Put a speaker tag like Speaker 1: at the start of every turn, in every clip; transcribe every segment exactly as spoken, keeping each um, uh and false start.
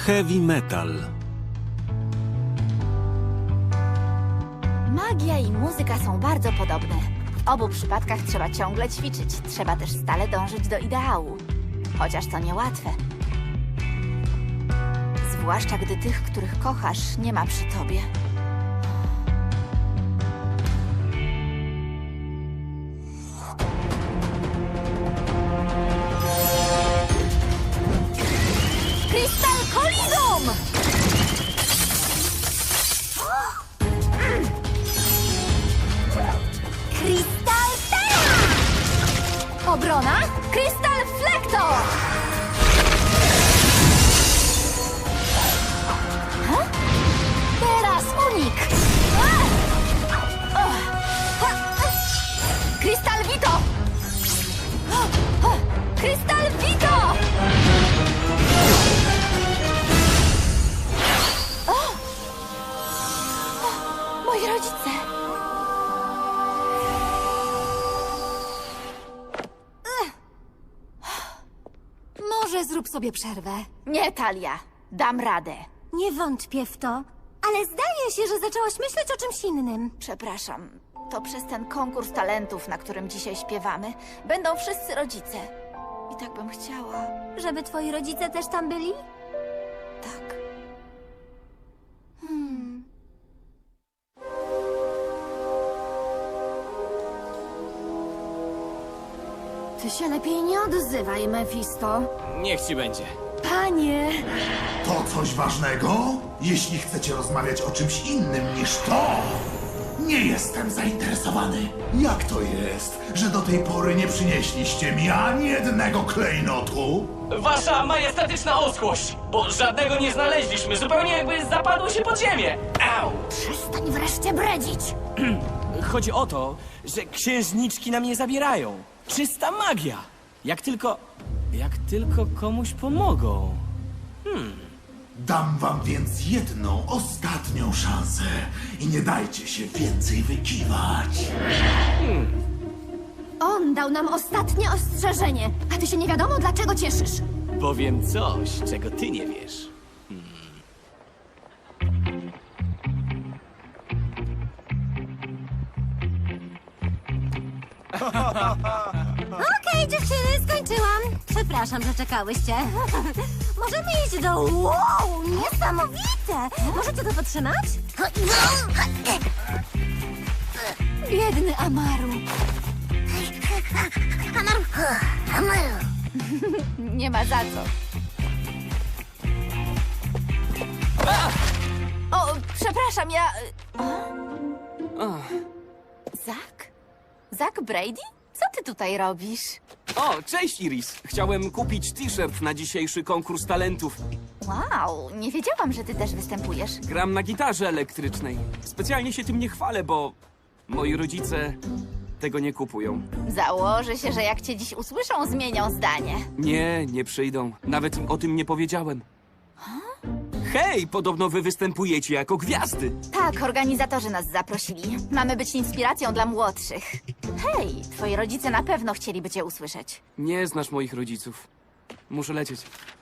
Speaker 1: Heavy metal.
Speaker 2: Magia i muzyka są bardzo podobne. W obu przypadkach trzeba ciągle ćwiczyć. Trzeba też stale dążyć do ideału. Chociaż to niełatwe. Zwłaszcza gdy tych, których kochasz, nie ma przy tobie. Crystal Collision! Crystal Terra! Obrona? Crystal Flector! Ha? Teraz unik! Crystal Vito! Crystal Vito! Moi rodzice!
Speaker 3: Może zrób sobie przerwę.
Speaker 2: Nie, Talia. Dam radę.
Speaker 3: Nie wątpię w to, ale zdaje się, że zaczęłaś myśleć o czymś innym.
Speaker 2: Przepraszam. To przez ten konkurs talentów, na którym dzisiaj śpiewamy, będą wszyscy rodzice. I tak bym chciała.
Speaker 3: Żeby twoi rodzice też tam byli?
Speaker 2: Tak.
Speaker 3: Ty się lepiej nie odzywaj, Mefisto.
Speaker 4: Niech ci będzie.
Speaker 3: Panie!
Speaker 5: To coś ważnego? Jeśli chcecie rozmawiać o czymś innym niż to, nie jestem zainteresowany. Jak to jest, że do tej pory nie przynieśliście mi ani jednego klejnotu?
Speaker 4: Wasza majestatyczna oskłość! Bo żadnego nie znaleźliśmy, zupełnie jakby zapadło się pod ziemię! Au!
Speaker 3: Przestań wreszcie bredzić!
Speaker 4: Chodzi o to, że księżniczki nam nie zabierają. Czysta magia! Jak tylko... jak tylko komuś pomogą.
Speaker 5: Dam wam więc jedną, ostatnią szansę i nie dajcie się więcej wykiwać.
Speaker 3: On dał nam ostatnie ostrzeżenie, a ty się nie wiadomo dlaczego cieszysz.
Speaker 4: Powiem coś, czego ty nie wiesz.
Speaker 3: Okej, dziewczyny, skończyłam. Przepraszam, że czekałyście. Możemy iść do... Wow, niesamowite! Możecie to potrzymać? Biedny Amaru. Amaru, Amaru.
Speaker 2: Nie ma za co. O, przepraszam, ja... O? Zak? Zak Brady? Co ty tutaj robisz?
Speaker 6: O, cześć Iris! Chciałem kupić t-shirt na dzisiejszy konkurs talentów.
Speaker 2: Wow, nie wiedziałam, że ty też występujesz.
Speaker 6: Gram na gitarze elektrycznej. Specjalnie się tym nie chwalę, bo moi rodzice tego nie kupują.
Speaker 2: Założę się, że jak cię dziś usłyszą, zmienią zdanie.
Speaker 6: Nie, nie przyjdą. Nawet im o tym nie powiedziałem. Hej, podobno wy występujecie jako gwiazdy.
Speaker 2: Tak, organizatorzy nas zaprosili. Mamy być inspiracją dla młodszych. Hej, twoi rodzice na pewno chcieliby cię usłyszeć.
Speaker 6: Nie znasz moich rodziców. Muszę lecieć.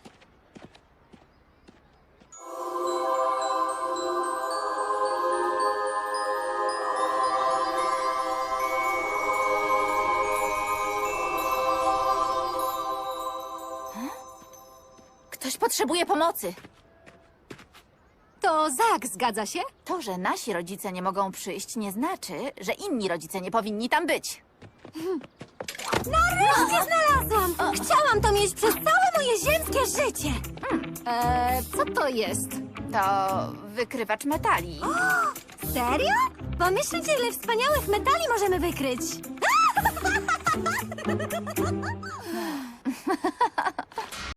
Speaker 2: Ktoś potrzebuje pomocy.
Speaker 3: To Zak, zgadza się?
Speaker 2: To, że nasi rodzice nie mogą przyjść, nie znaczy, że inni rodzice nie powinni tam być.
Speaker 3: Nareszcie znalazłam! Chciałam to mieć przez całe moje ziemskie życie. Eee, co to jest?
Speaker 2: To wykrywacz metali.
Speaker 3: Serio? Pomyślcie, ile wspaniałych metali możemy wykryć.